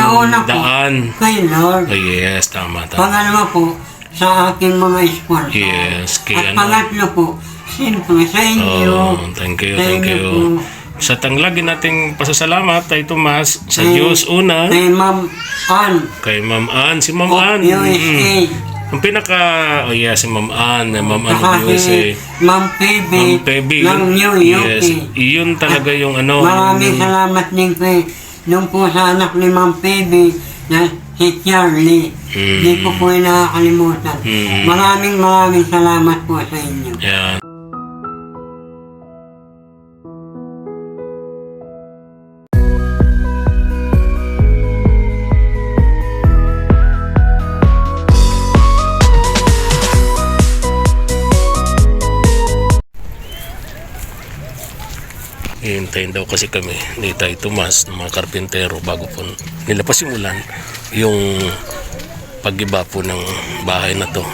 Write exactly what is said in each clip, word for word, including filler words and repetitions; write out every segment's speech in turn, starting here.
Una-una po, daan. kay Lord. Oh, yes, tama, tama. Pangalawa po, sa aking mga sponsor. Yes, kay At ano. pangatlo po, siyempre sa inyo. Oh, thank you, Sa thank inyo you. po. Sa tanglagin nating pasasalamat ay Tomas sa Kay- Diyos una, Kay Ma'am Ann. kay Ma'am Ann, si Ma'am of Ann. U S A. Mm. Ang pinaka, oh yeah, si Ma'am Ann, Ma'am Ann Saka of U S A. si Ma'am Phoebe Ma'am Pebby. ng New York. Yes, iyon talaga yung ano. Maraming yung- salamat din kay nung po sa anak ni Ma'am Phoebe na si Charlie. Mm. Hindi ko po yung nakakalimutan. Mm. Maraming maraming salamat po sa inyo. Yeah. Hihintayin daw kasi kami ni Tay Tomas ng mga karpintero bago po nila pasimulan yung pag-iba po ng bahay na to.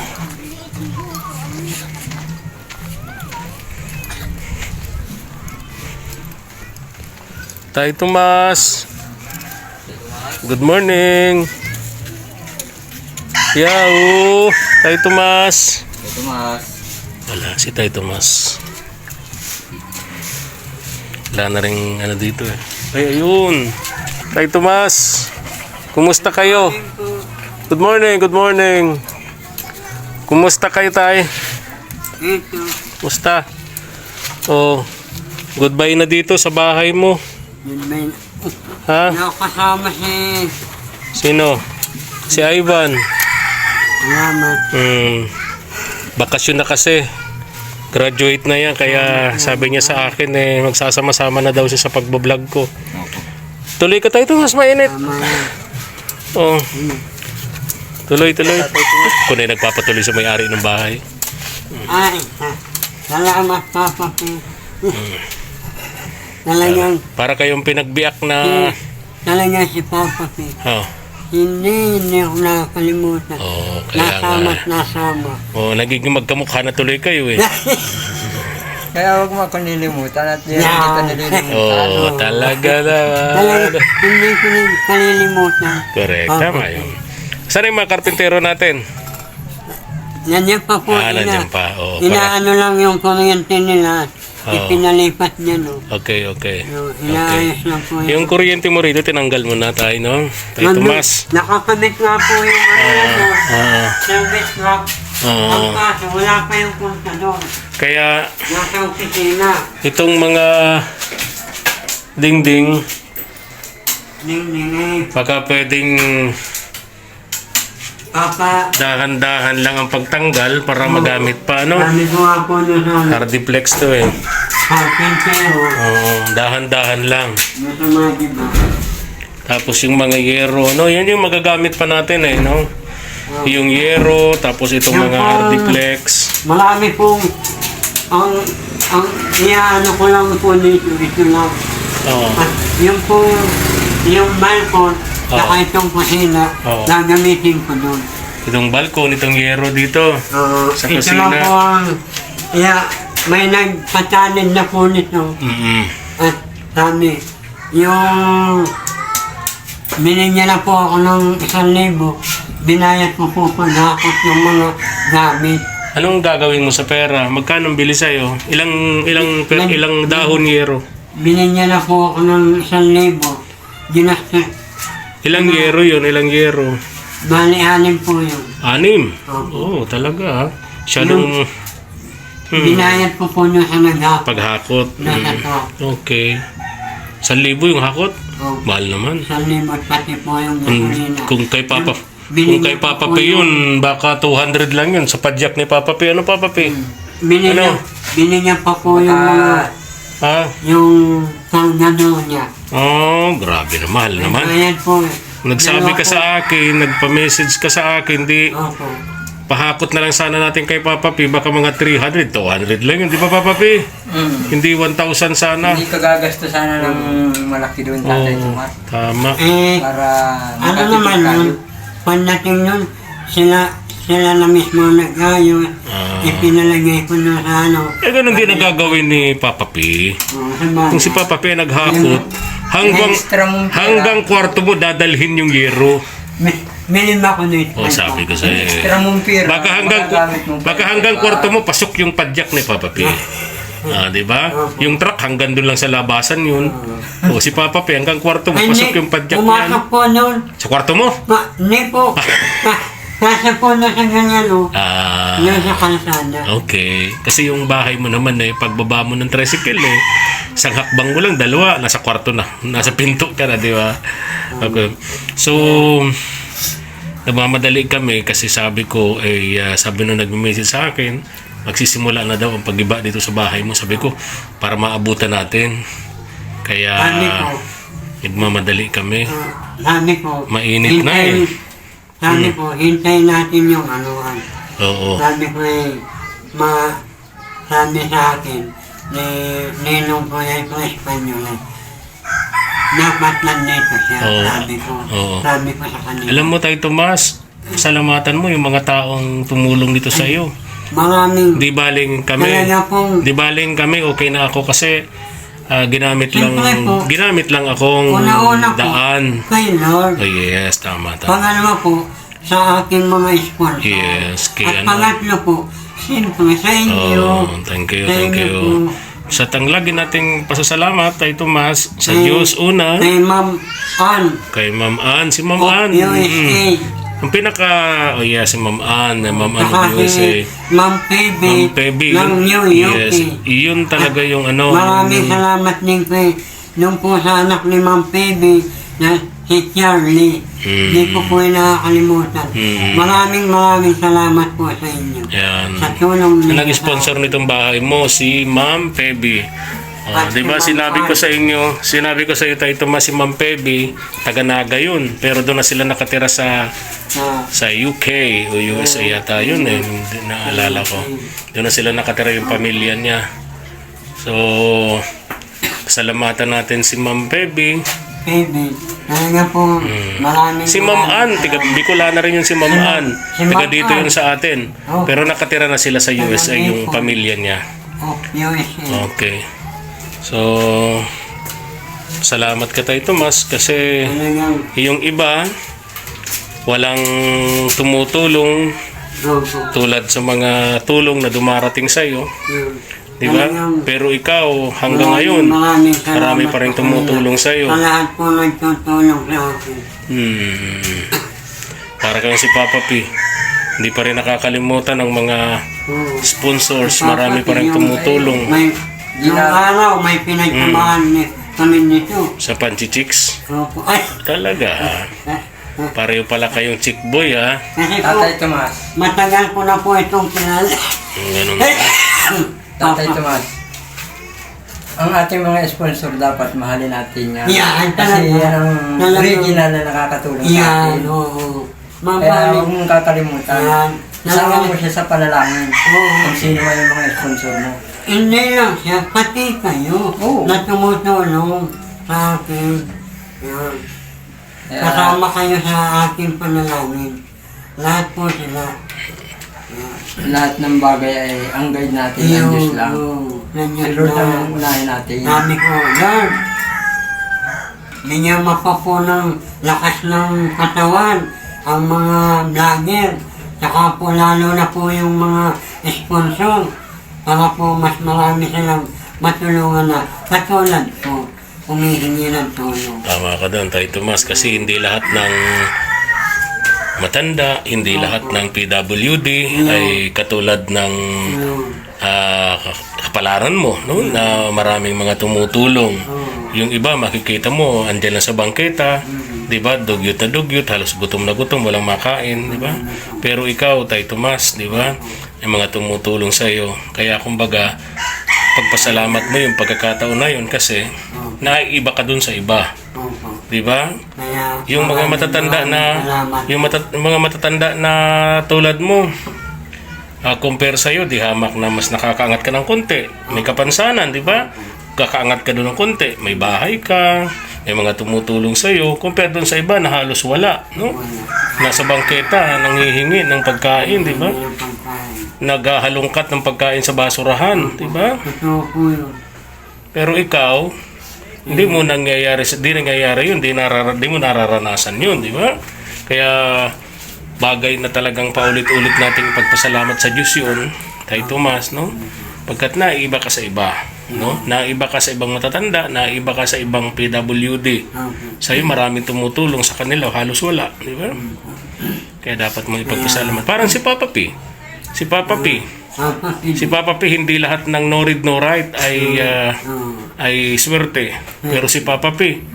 Tay Tomas, good morning. Yao, Tay Tomas. Ito mas. Wala si Tay Tomas. Wala na rin ano dito eh. Ay, ayun. Tay Tomas. Kumusta kayo? Good morning, good morning. Kumusta kayo, Tay? Ito. Kumusta? Oh, goodbye na dito sa bahay mo. Yun ba yun? Ha? Nakasama si... Sino? Si Ivan. Salamat. Hmm. Bakasyon na kasi. Graduate na yan, kaya sabi niya sa akin eh, magsasama-sama na daw siya sa pagbablog ko. Tuloy ka tayo, mas mainit. Tama yan. Oh. Tuloy, tuloy. Kung ay nagpapatuloy sa may-ari ng bahay. Ay, sa- salamat Papa P. Talagang, Para kayong pinagbiak na... talagang si Papa P. Oh, Hindi, hindi ako nakakalimutan. oh kaya Nasama at nga. nasama. Oh, nagiging magkamukha na tuloy kayo eh. Kaya huwag mo akong nilimutan at hindi Yeah. kita nililimutan. Oh, talaga Talagang, naman. hindi ko rin kalilimutan. Correct, Papa tama P. yun. Saan yung mga karpintero natin? Nandiyan pa po Ah, ina. nandiyan pa. Oh, para. Inaano lang yung kuryente nila. Oo. Ipinalipat niya, no. Okay, okay. So, inaayos lang po Yung kuryente mo rito, tinanggal mo na tayo, no? Tayo Nandun- Tomas. Nakakabit nga po yung ano, no. Ah, Service lock. Oo. Ang kaso, wala pa yung punta doon. kaya Nasa opisina. itong mga dingding, Ning-ning eh. baka pwedeng Papa, dahan-dahan lang ang pagtanggal para magamit pa, ano? sabi ko nga po doon sa Hardiplex to eh. carpentero. Oo, dahan-dahan lang. Doon sa mga diba. Tapos yung mga yero, no? Yan yung magagamit pa natin eh, no? Yung yero, tapos itong mga hardiplex. Marami pong ang ang iaano ko lang po dito, ito lang. Oo. At yung po, yung balkon, saka itong kusina, Oo. gagamitin ko doon. Itong balkon, itong yero dito. Uh, Sa ito kusina. lang po ang, yeah, may nagpatalin na po nito. Mm-mm. At sabi, yung binigyan na po ako ng isang libo, binayad ko po paghakot ng mga gamit. Anong gagawin mo sa pera? Magkano ang bili sa'yo? Ilang, ilang, per, Nag- ilang dahon yero? Binigyan na po ako ng isang libo. Ginastos. Ilang yero yun? Ilang yero? Bali, anim po yun. Anim? Oo, Opo. talaga ah. Siya nung hmm, Binayad ko po nyo sa naghapon. paghakot. Nasa Mm. to. Okay. San libo yung hakot? Oh, Mahal naman. isang libo at pati po yung Kung, gasolina. kung kay Papa Binigyan kung kay ko Papa po P yung- yun, baka two hundred lang yun sa padyak ni Papa P. Ano Papa P? Binigyan, ano? binigyan pa po yung mga, Ha? yung pangano niya. Oh, grabe na mahal naman. Ayan po eh. Nagsabi ka Dalawa sa akin, nagpa-message ka sa akin, di po. Opo. pahakot na lang sana natin kay Papa P, baka mga three hundred, two hundred lang yun, di ba Papa P? Mm. Hindi one thousand sana. Hindi ka gagasto sana ng malaki doon, Tatay Oo, Tomas. tama. Eh, Para ano makatipid naman tayo. nun, pagdating nun, sila, sila na mismo nag-ayos. Ah. Ipinalagay ko na sa ano. Eh, ganun din ang gagawin ni Papa P. Oh, sa bahay. Kung si Papa P naghakot, hanggang, Extra mong pera. hanggang kwarto mo dadalhin yung yero. Mi- Milim ako nito. O, sabi ko sa'yo. Extra mong pera. Baka hanggang, magagamit mo pa. baka hanggang kwarto mo, pasok yung padyak ni Papa P. Ah, di ba? Yung truck hanggang doon lang sa labasan yun. O, si Papa P, hanggang kwarto mo, Ay, pasok hindi. yung padyak Pumasok yan. po noon. Sa kwarto mo? Ma, hindi po. Na- Nasa po na sa ganyan o. Ah, Yung sa kalsada. okay. Kasi yung bahay mo naman eh, pagbaba mo ng tricycle eh, isang hakbang mo lang, dalawa, nasa kwarto na. Nasa pinto ka na, di ba? Okay. So, nagmamadali kami kasi sabi ko, eh, uh, sabi nung nag-message sa akin, magsisimula na daw ang pag-iba dito sa bahay mo. Sabi ko, para maabutan natin. Kaya, Sabi ko. nagmamadali kami. Ah, sabi ko. Mainit na eh. hintayin- Sabi ko, hintayin natin yung anuhan. Oo. Sabi ko eh, ma, sabi sa akin, ni Ninong ko ay ko Espanyol eh. Dapat nandito siya, Oo. sabi ko. Oo. Sabi ko sa kanila. Alam mo tayo, Tomas, salamatan mo yung mga taong tumulong dito sa iyo. Maraming, Di baling kami. talaga pong, Di baling kami, okay na ako kasi ah, ginamit lang Siyempre po. ginamit lang akong una-una po, daan. kay Lord. Oh, yes, tama, tama. Pangalawa po, sa aking mga sponsor. Yes, kay At ano. pangatlo po, siyempre sa inyo. Oh, thank you, Sa thank inyo you. po. Sa tanglagi nating pasasalamat kay Tomas, sa Kay- Diyos una, Kay Ma'am Ann. kay Ma'am Ann, si Ma'am of Ann. U S A. mm. Ang pinaka, oh yeah, si Ma'am Ann, Ma'am Ann Saka of U S A. si Ma'am Phoebe. Ma'am Pebby, ng New York. yes, iyon talaga yung ano. Maraming yung- salamat din kay nung po sa anak ni Ma'am Phoebe na si Charlie. Mm. Hindi ko po yung nakakalimutan. Mm. Maraming maraming salamat po sa inyo. Yan. Sa tulong Ang niyo. nag-sponsor nitong bahay mo, si Ma'am Pebby. Oh, At di ba si Ma'am sinabi ko Ann. sa inyo, sinabi ko sa iyo tayo Tomas, si Ma'am Pebby, taga Naga yun. Pero doon na sila nakatira sa Ah, sa U K o U S A yata yun eh. Hindi naalala ko. Doon na sila nakatira yung pamilya niya. So, salamatan natin si Ma'am Pebby. Phoebe. Talaga po, maraming Hmm. Si Ma'am Ann, tiga Bicolana rin yun si Ma'am Ann. si Tiga Ma'am dito Ann. yun sa atin. Oh. Pero nakatira na sila sa U S A yung pamilya niya. Oh, U S A. Okay. So, salamat ka tayo Tomas kasi Talagang, yung iba walang tumutulong opo. tulad sa mga tulong na dumarating sa iyo, Yun. di ba? Talagang, Pero ikaw hanggang ngayon maraming salamat marami pa rin po tumutulong kanila. sa iyo. Sa lahat po nagtutulong sa akin. Hmm. Para kang si Papa P. Hindi pa rin nakakalimutan ng mga Oo. sponsors, Papa marami pa P, rin yung- tumutulong May, yung araw, may pinagtamahan Hmm. ni kami nito. sa Panchichicks. Opo. Ay, Talaga. eh, Pareho pala kayong chick boy ha. kasi po, Tatay Tomas. matagal ko na po itong kilala. Yung ganun. Tatay Tomas. Ang ating mga sponsor dapat mahalin natin yan. Yan, Kasi talaga. yan ang Talaga. original na nakakatulong sa Yan, atin. oo. Kaya Mamahalin. huwag mong kakalimutan. Yan. Isama mo siya sa panalangin. Oo. Kung sino man yung mga sponsor mo. Hindi lang siya, pati kayo Oo. na tumutulong sa akin. Yan. Kaya, Kasama kayo sa aking panalangin. Lahat po sila. lahat ng bagay ay ang guide natin ng Diyos lang. Si Nandiyan Lord ang lang. unahin natin. Sabi ko, Lord, bigyan mo pa po ng lakas ng katawan ang mga vlogger. Saka po lalo na po yung mga sponsor. Para po mas marami silang matulungan na katulad po humihingi ng tulong. Tama ka doon tayo Tomas kasi hindi lahat ng matanda, hindi lahat ng P W D ay katulad ng Yun. ah, kapalaran mo, no? Na maraming mga tumutulong. Yung iba makikita mo andyan lang sa bangketa, 'di ba? Dugyot na dugyot, halos gutom na gutom, walang makain, 'di ba? Pero ikaw, Tay Tomas, 'di ba? Yung mga tumutulong sa iyo. Kaya kumbaga, pagpasalamat mo yung pagkakataon na yun kasi naiiba ka dun sa iba, Opo. 'di ba? Kaya Yung mga maraming matatanda na maraming salamat. yung mata- mga matatanda na tulad mo, ah, compare sa iyo, di hamak na mas nakakaangat ka ng konti. May kapansanan, di ba? Kakaangat ka doon ng konti. May bahay ka, may mga tumutulong sa iyo, compare doon sa iba na halos wala, no? Nasa bangketa, nanghihingi ng pagkain, di ba? Yung pagkain. Naghahalongkat ng pagkain sa basurahan, di ba? Totoo po yun. Pero ikaw, hindi mo nangyayari, hindi nangyayari yun, hindi, narara, hindi mo nararanasan yun, di ba? Kaya bagay na talagang paulit-ulit nating pagpasalamat sa Diyos yun, kay Tomas, no? Pagkat naiiba ka sa iba, no? Naiiba ka sa ibang matatanda, naiiba ka sa ibang P W D. Opo. Sa'yo maraming tumutulong, sa kanila halos wala, di ba? Kaya dapat mo ipagpasalamat. Parang si Papa P. Si Papa P. Papa, Si Papa P, hindi lahat ng no read no write ay ah, ay swerte. Pero si Papa P,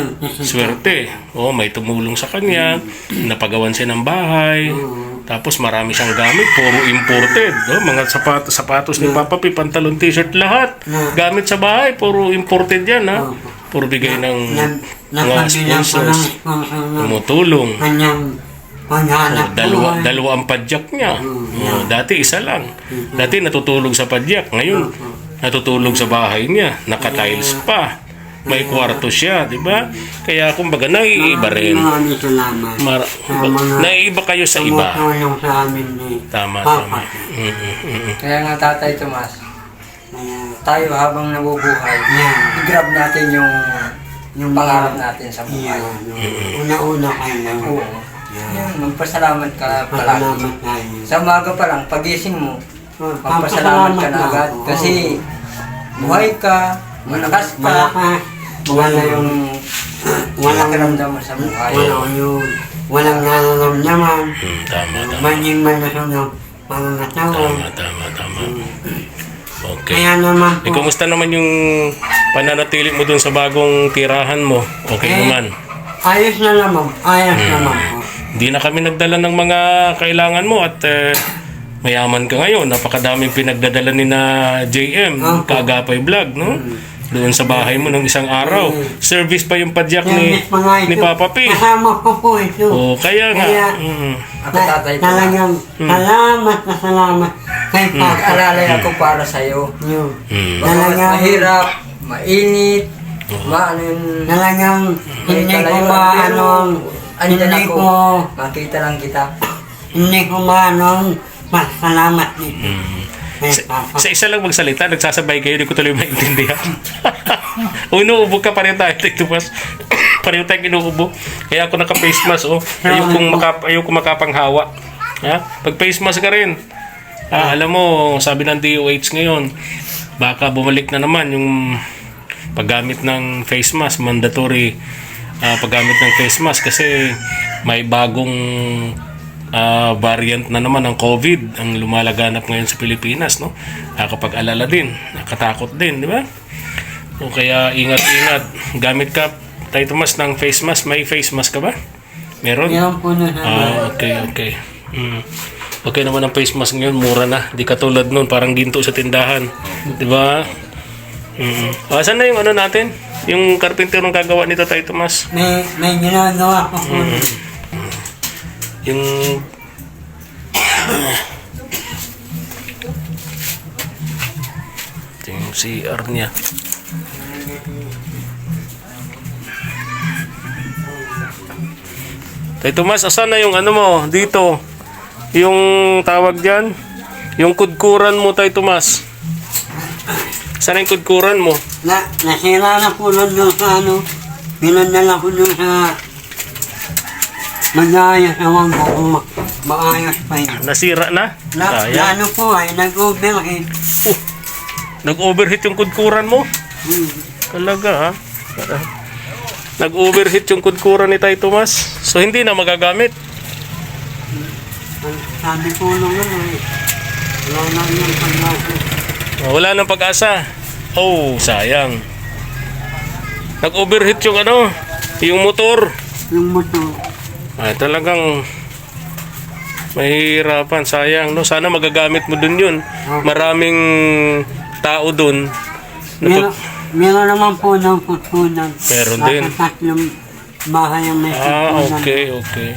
swerte. Oh, may tumulong sa kanya, napagawan siya ng bahay. Tapos marami siyang gamit, puro imported. Oh, mga sapatos, sapatos ni Papa P, pantalon, t-shirt, lahat. Gamit sa bahay, puro imported yan, ha? Puro bigay ng mga sponsors. Tumutulong. Kanyang Oh, paghanap dalawa, dalawa ang padyak niya. Oh, dati isa lang. Dati natutulog sa padyak. Ngayon, natutulog sa bahay niya. Naka-tiles pa. May kwarto siya, di ba? Kaya kumbaga, naiiba rin. Maraming salamat. Mar- sa mga naiiba kayo sa iba. tumutulong sa amin ni Tama, Papa. tama. Mm, mm, mm. Kaya nga Tatay Tomas, Kaya, tayo habang nabubuhay, Yeah. i-grab natin yung yung pangarap natin sa Yeah, buhay. yung una-una kayo. Oo. Yan, magpasalamat ka palagi. Salamat tayo. Sa umaga pa lang, pagising mo, Oh, magpasalamat ka na agad. Oo. Kasi buhay ka, malakas ka, Malakas. wala yung Walang pakiramdam mo sa buhay. Wala yung walang nararamdaman. Mm, tama, tama. Maging malusog ng pangangatawan. Tama, tama, tama. Okay. Kaya naman Eh, po, kumusta naman yung pananatili mo dun sa bagong tirahan mo? Okay Eh, naman. ayos na naman. Ayos naman po. Hindi na kami nagdala ng mga kailangan mo at eh, mayaman ka ngayon. Napakadaming pinagdadala ni na J M, Opo. Kaagapay Vlog, no? Doon sa bahay mo ng isang araw. Service pa yung padyak Yung ni, miss mga ito, ni Papa P. kasama ko po ito. Oh, kaya nga. Kaya, Mm. Ako Tatay Tomas, Talagang salamat na salamat kay Papa. nag-alalay ako para sa'yo. Yun. Mm. Baka Talagang, mahirap, mainit, maano yung... talagang hindi ko kalayuan, maano, pero andyan hindi ako. ko, Makita lang kita. hindi ko maano, pasalamat nito. Mm. Kay Sa, Papa. sa isa lang magsalita, nagsasabay kayo, hindi ko tuloy maintindihan. Inuubo ka, pareho tayo, Tomas. Pareho tayo kinuubo. Kaya ako naka-face mask, oh. Ayokong, makap ayokong makapanghawa. Ha? Pag face mask ka rin. Ah, alam mo, sabi ng D O H ngayon, baka bumalik na naman yung paggamit ng face mask, mandatory ah, paggamit ng face mask kasi may bagong ah, variant na naman ng COVID ang lumalaganap ngayon sa Pilipinas, no? Nakakapag-alala din, nakatakot din, di ba? O kaya ingat-ingat, gamit ka, Tay Tomas, ng face mask. May face mask ka ba? Meron? Yan po na Ah, okay, okay. Mm. Okay naman ang face mask ngayon, mura na. Di katulad nun, parang ginto sa tindahan. Di ba? Mm. Ah, saan na yung ano natin? Yung karpinterong gagawa nito, Tay Tomas? May, may ginagawa ko po. Yung... Ito yung C R niya. Tay Tomas, asan na yung ano mo dito? Yung tawag dyan? Yung kudkuran mo, Tay Tomas. Saan yung kudkuran mo? Na, nasira na po nun doon sa ano, pinadala ko doon sa mag-aayos naman po kung ma- maayos pa yun. Nasira na? Na, na Sayang. ano po ay, nag-overheat. Nag-overheat yung kudkuran mo? Hmm. Talaga, ha? Nag-overheat yung kudkuran ni Tay Tomas. So, hindi na magagamit. Ang Sabi ko nung ano eh, wala na yung pag-aayos. Oh, wala nang pag-asa. Oh, sayang. Nag-overheat yung ano, yung motor. Yung motor. Ay, talagang mahirapan, sayang, no? Sana magagamit mo dun yun. Maraming tao dun. Meron, meron naman po ng putunan. Meron din. Nasa tatlong bahay ang may Ah, putunan. okay, okay.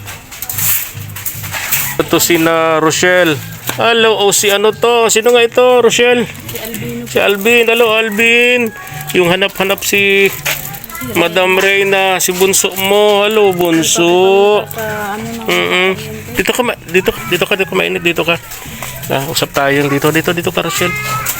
Ito si na Rochelle. Hello, oh, si ano to? Sino nga ito, Rochelle? Si Alvin. Si Alvin. Hello, Alvin. Yung hanap-hanap si Madam Reyna, si bunso mo. Hello, bunso. Sa ano na. Mm-mm. Dito ka, ma- dito, dito ka, dito ka, mainit, dito ka. Ah, usap tayo dito, dito, dito ka, Rochelle.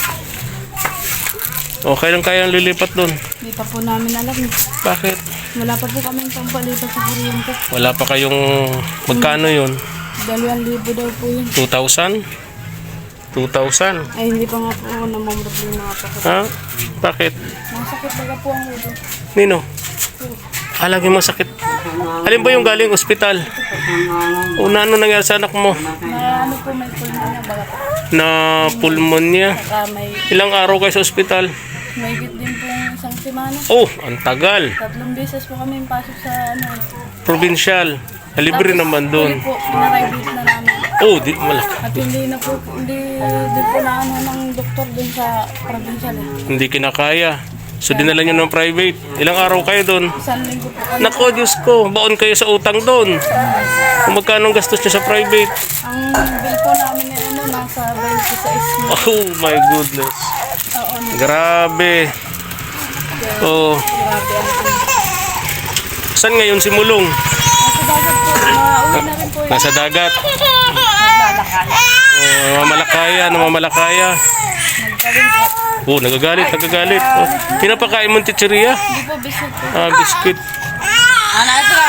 O, kailan kayang lilipat doon? Hindi pa po namin alam. eh. Bakit? Wala pa po kaming pampalipat sa kuryente. Wala pa kayong, magkano yun? Dalawang libo daw po yun. two thousand? two thousand? Ay, hindi pa nga po namamroblema nga po. ako. Ha? Bakit? Masakit baga po ang ulo. Nino? Ah, lagi masakit. Alin ba yung galing ospital? Una, ano nangyari sa anak mo? Na ano po, may pulmonya baga po. Na pulmonya. Saka may, Ilang araw kayo sa ospital? may git din po isang semana. Oh, ang tagal. Tatlong beses po kami pasok sa ano. Provincial. Libre naman doon. Huli po, pinaray-bit na namin. Oh, di malaki. At hindi na po, hindi din po na ano ng doktor dun sa provincial. eh. Hindi kinakaya. So dinala nyo ng private. Ilang araw kayo doon? Isang linggo po kami. Nako, Diyos ko. Baon kayo sa utang doon. Kung magkano ang gastos nyo sa private? Ang bill po namin ay ano, nasa twenty-six na. Oh my goodness. Oo, ano, Grabe. Oh. grabe ang ano. Saan ngayon si Mulong? Nasa dagat po, nauwi na rin po. Nasa dagat. Naglalakay. Oh, namamalakaya, namamalakaya. Nagkawin po. Oh, nagagalit, nagagalit. Oh, pinapakain mo ng chichiria? Hindi po, biscuit po. Ah, biscuit. Ano ito?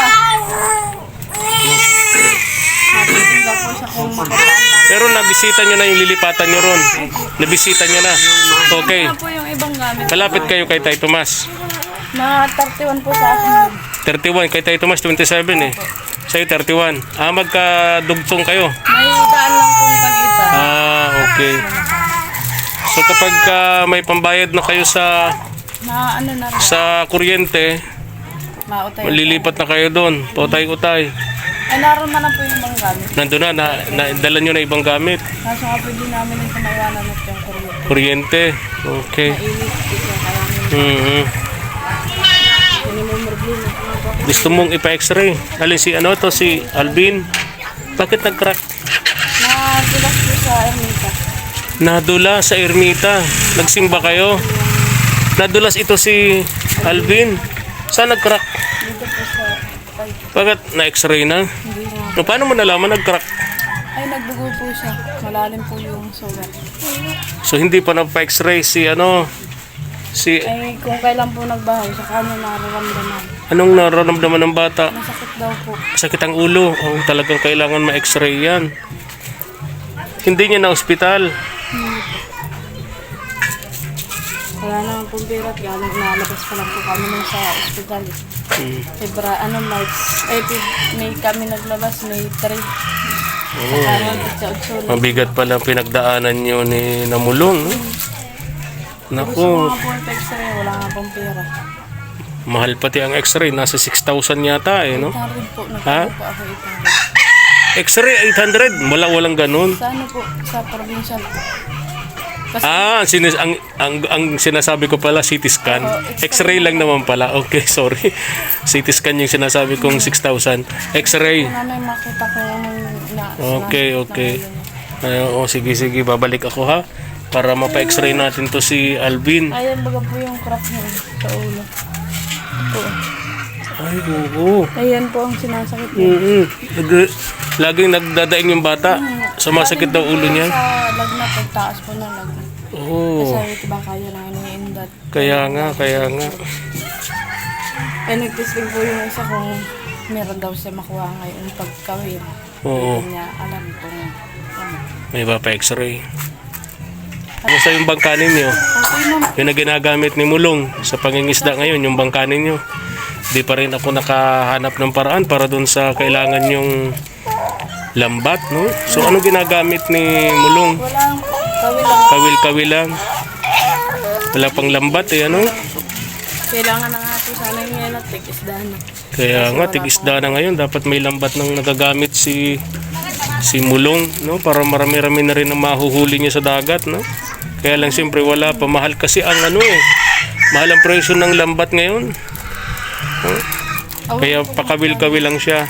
Natitinda po siya kung makakaan. Pero nabisita nyo na yung lilipatan nyo ron. Nabisita nyo na. Okay. Ano po yung ibang gamit? Malapit kayo kay Tay Tomas. Mga thirty-one po sa akin. thirty-one. Kay Tay Tomas, twenty-seven eh. Sa'yo, thirty-one. Ah, magkadugtong kayo. May daan lang pong pagitan. Ah, okay. So kapag ah, may pambayad na kayo sa Na ano na rin. sa kuryente, Mautay. malilipat na kayo doon. Pautay-utay. Ay, naroon man na po yung ibang gamit. Nandun na, na, na dala nyo na ibang gamit. Kaso nga pwede namin yung kumawanan at yung kuryente. Kuryente. Okay. Mainit. Ito kaya namin. Mhm. Hindi mo problema. Gusto mong ipa-x-ray? Alin si ano to, si Alvin? Bakit nag-crack? Nadulas po sa Ermita. Nadula sa ermita. Nagsimba kayo? Nadulas ito si Alvin. Saan nag-crack? Dito po sa ay, Bakit na-x-ray na? hindi na. No, paano mo nalaman nag-crack? Ay, nagdugo po siya. Malalim po yung sugat. So hindi pa nagpa-x-ray si ano? Si Ay, kung kailan po nagbahay, sa kanya nararamdaman. anong nararamdaman ng bata? Masakit daw po. Sakit ang ulo. Oh, talagang kailangan ma-x-ray yan. Hindi niya na ospital. Wala naman pong pera at galing nalabas pa lang po kami nung sa ospital. Hmm. Febra, ano, March. Eh, Feb- may kami naglabas, may three. Oh. Sa kanan, sa Otso. Mabigat pala ang pinagdaanan niyo ni Namulong. No? Gusto Naku, nga po yung x-ray, wala nga pong pera. mahal pati ang x-ray. Nasa six thousand yata eh, no? eight hundred po, Ha? nagkano po ako eight hundred. X-ray eight hundred. Wala, walang ganun. Sa ano po, sa provincial po. Kasi Ah, ang, sinis- ang, ang, ang sinasabi ko pala, C T scan. X-ray lang naman pala. Okay, sorry. C T scan yung sinasabi kung six thousand. X-ray. wala na yung makita ko yung na, Okay, sinasakit okay. na Ay, oh, sige, sige. Babalik ako ha. Para mapa-x-ray natin to si Alvin. ngayon. Ayan, baga po yung crack niya sa ulo. Po. Ay, oo. Ayan po ang sinasakit niya. Mm-hmm. Nag- laging nagdadaing yung bata. Sumasakit daw ulo niya. Sa lagnat, pagtaas po ng lagnat. Oo. Kasi diba kaya lang iniindat. Kaya nga, kaya nga. Eh, nag-testing po yung isa kung meron daw siya makuha ngayon pagkawin. Oo. Hindi niya alam kung ano. May iba pa x-ray. Basta yung bangka ninyo, Okay naman. yun na ginagamit ni Mulong sa pangingisda ngayon, yung bangka ninyo. Di pa rin ako nakahanap ng paraan para dun sa kailangan yung lambat, no? So, ano ginagamit ni Mulong? Walang kawin lang. Kawil-kawil lang. Wala pang lambat eh, ano? Kailangan na nga po sana yung yan at tig-isda na. Kaya nga, tig-isda na ngayon. Dapat may lambat nang nagagamit si si Mulong, no? Para marami-rami na rin ang mahuhuli niya sa dagat, no? Kaya lang siyempre wala pa. Mahal kasi ang ano eh. Mahal ang presyo ng lambat ngayon. No? Kaya pakawil-kawil lang siya.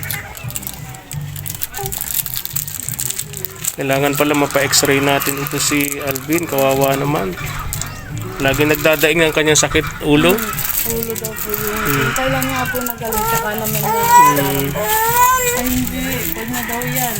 Kailangan pala mapa-x-ray natin ito si Alvin. Kawawa naman. Lagi nagdadaing ang kanyang sakit ulo. Ulo daw po yung... Kailan nga po nagaling, tsaka naman yung... Ay, hindi. Huwag na daw yan.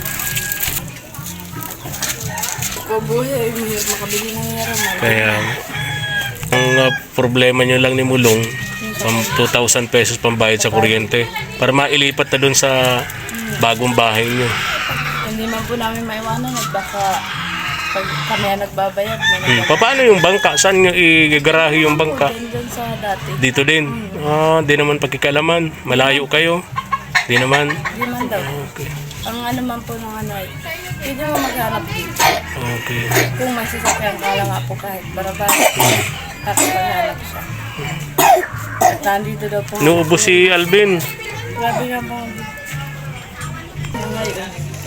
Kabuhay, mahirap makabili ng yaram. Kaya, ang uh, problema nyo lang ni Mulong, pang two thousand pesos pambayad sa kuryente para mailipat na dun sa bagong bahay nyo. Hindi man po namin maiwanan at baka pag kami ang nagbabayad. May Hmm. nagbabayad. Paano yung bangka? Saan nyo igagarahe yung bangka? Din dun sa dati. Dito din. Ah, di naman pagkikalaman. Malayo kayo. Di naman. Hindi man daw. Okay. Ang ano man po ng ano ay, pwede mo maghanap dito. Okay. Kung may sasakyan ka lang nga po kahit barabara. Tapos maghanap siya. At nandito daw po. Nuubo si Alvin. Grabe nga po. Ngayon.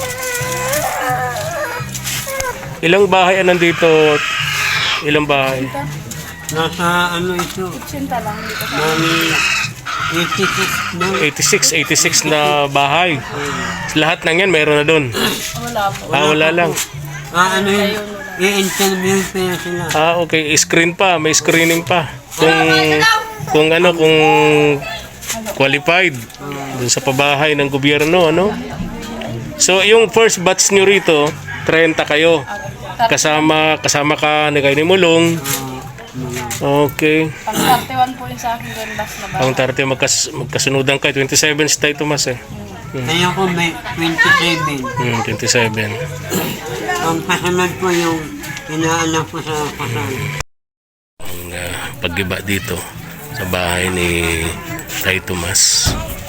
Ilang bahay ang nandito? Ilang bahay? Nasa ano ito, Sinta lang dito sa nani eighty-six na. eighty-six, eighty-six na bahay. Lahat ng yan mayroon na doon. wala po. Ah, wala lang. Ah, ano yun, i-interview pa yun sila. Ah, okay. Screen pa. May screening pa. Kung, kung ano, kung qualified dun sa pabahay ng gobyerno, ano? So, yung first batch nyo rito, thirty kayo. Kasama, kasama ka ni kayo ni Mulong. Okay. Pang thirty-one po yung sa akin doon last na ba? Ang thirty magkas, magkasunodan kayo. twenty-seven si Tay Tomas eh. Kaya ko may twenty-seven. Hmm, twenty-seven. Ang kasunod po yung inaanak ko sa kasal. Ang uh, paggiba dito sa bahay ni Tay Tomas.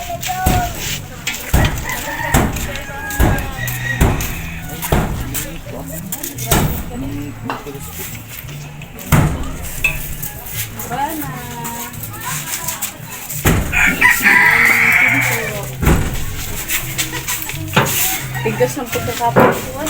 Bigas ng pagkakapuan.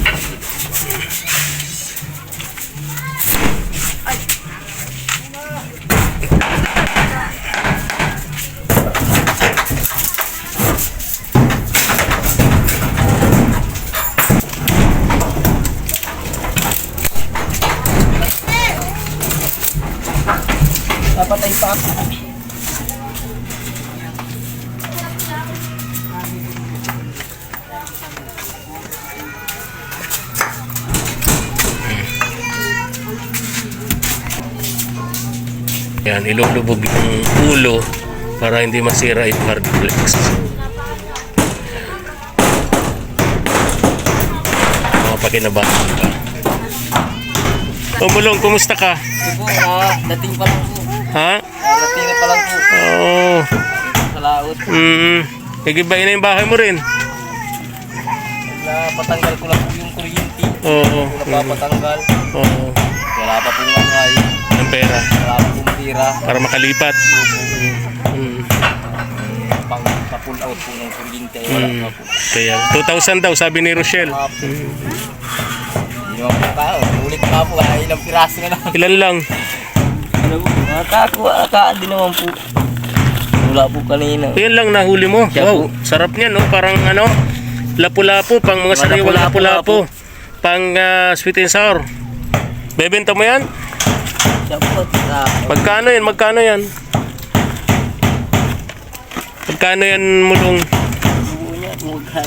Dapat ay pa. Yan, ilulubog yung ulo para hindi masira yung hard flex. Mga pakinabahan pa. O Mulong, kumusta ka? Po, ah, dating pa lang po. Ha? Ah, dating na pa lang po. Oo. Sa laot. Mm. Igibain na yung bahay mo rin. Napatanggal ko lang po yung kuryente. Oo. Napapatanggal. Oo. Wala pa pong makay. Ang pera. Wala pa pong tira. Para makalipat. Mm. Pang pa-pull out po ng kuryente. Wala Mm. pa po. Kaya two thousand daw sabi ni Rochelle. Mga po. Hindi naman po tao. Ulit pa po. Kaya ilang piraso na lang. Ilan lang? Ano po? Mga kako. Akaan din naman po. Wala po kanina. Yan lang nahuli mo. Siya Wow, po. sarap niyan, no? Parang ano, lapu-lapu, pang mga Mga sariwang lapu-lapu. lapu-lapu. Pang ah, sweet and sour. Bebenta mo yan? Siya po. Ah, Magkano yan? Magkano yan? Magkano yan, Mulong? buo niya. Mughan.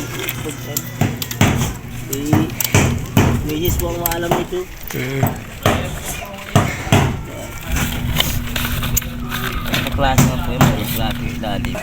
Eh, Mayis po ang maalam nito. Mm. Klase nga po yung mga klase yung ilalim.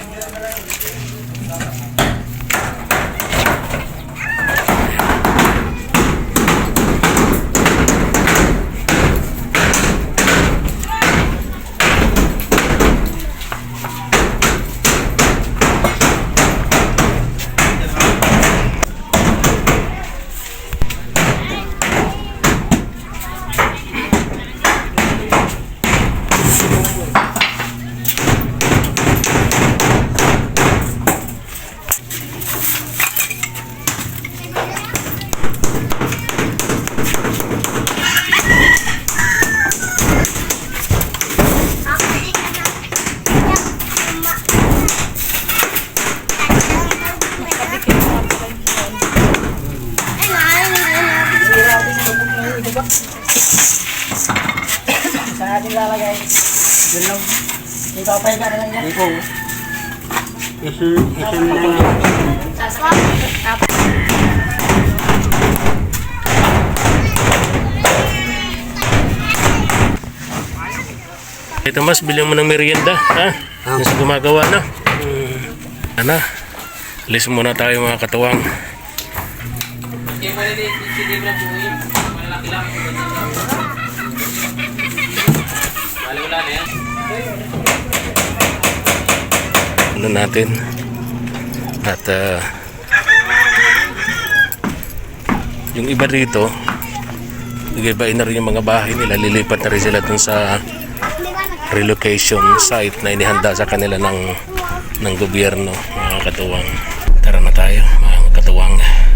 Sa ating lalagay. Doon lang. Hindi po. Isin, isin na lang. Ito mas, bilhin mo ng merienda, ha? Yung sa gumagawa na. Hmm. Ano? Alis muna tayo mga katuwang. Ano natin? At uh, yung iba dito, iba-ibain na rin yung mga bahay nila. Lilipat na rin sila dun sa relocation site na inihanda sa kanila ng ng gobyerno, mga katuwang. Tara na tayo, mga katuwang.